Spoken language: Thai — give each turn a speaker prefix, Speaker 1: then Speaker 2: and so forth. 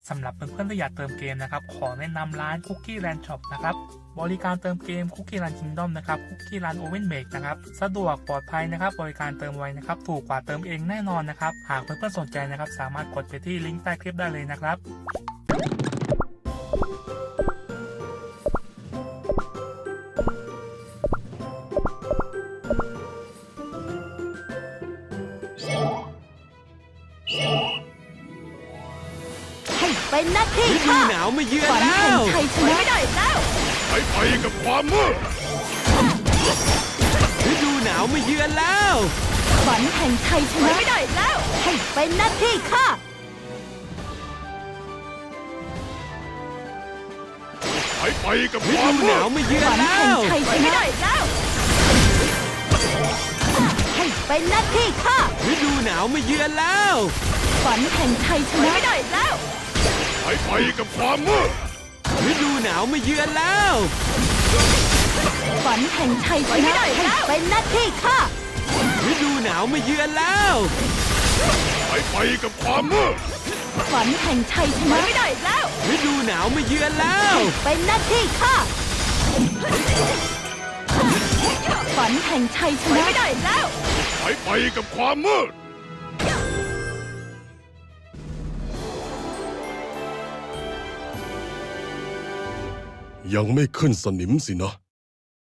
Speaker 1: สำหรับเพื่อนๆที่อยากเติมเกมนะครับขอแนะนำร้าน Cookie Land Shop นะครับบริการเติมเกม Cookie Land Kingdom นะครับ Cookie Land Oven Make นะครับสะดวกปลอดภัยนะครับบริการเติมไวนะครับถูกกว่าเติมเองแน่นอนนะครับหากเพื่อนๆสนใจนะครับสามารถกดไปที่ลิงก์ใต้คลิปได้เลยนะครับ
Speaker 2: เป็นหน้าที่
Speaker 3: ฤดู
Speaker 2: ค่ะ
Speaker 3: หนาวมาเยือน
Speaker 2: ฝัน
Speaker 3: แล้
Speaker 2: แห่ง
Speaker 3: ว
Speaker 2: ชัยชนะไม่ได้แล้ว
Speaker 4: ไปกับความมืด
Speaker 3: ฤดูหนาวมาเยือนแล้ว
Speaker 2: ฝันแห่งชัยชนะไม่ได้แล้วให้เป็นหน้าที่ค่ะ
Speaker 4: ไปกับ
Speaker 3: ฤ
Speaker 4: ความ
Speaker 3: ดูห
Speaker 4: มื
Speaker 3: นาว
Speaker 4: ด
Speaker 3: มาเยือน
Speaker 2: ฝัน
Speaker 3: แล้
Speaker 2: แห่ง
Speaker 3: ว
Speaker 2: ชัยชนะไม่ได้แล้วให้เป็นหน้าที่ค่ะ
Speaker 3: ฤดูหนาวมาเยือนแล้ว
Speaker 2: ฝันแห่งชัยชนะไม่ได้แล้ว
Speaker 4: ไปกับความมืด
Speaker 3: ฤดูหนาวมาเยือนแล้ว
Speaker 2: ฝันแห่งชัยชนะให้เป็นหน้าที่ค่ะ
Speaker 3: ฤดูหนาวมาเยือนแล้ว
Speaker 4: ไปกับความมืด
Speaker 2: ฝันแห่งชัยชนะไม่ได้แล้ว
Speaker 3: ฤดูหนาวมาเยือนแล้ว
Speaker 2: เป็นหน้าที่ค่ะ ฝันแห่งชัยชนะไม่ได้แล้ว
Speaker 4: ไปกับความมืดยังไม่ขึ้นสนิมสินะ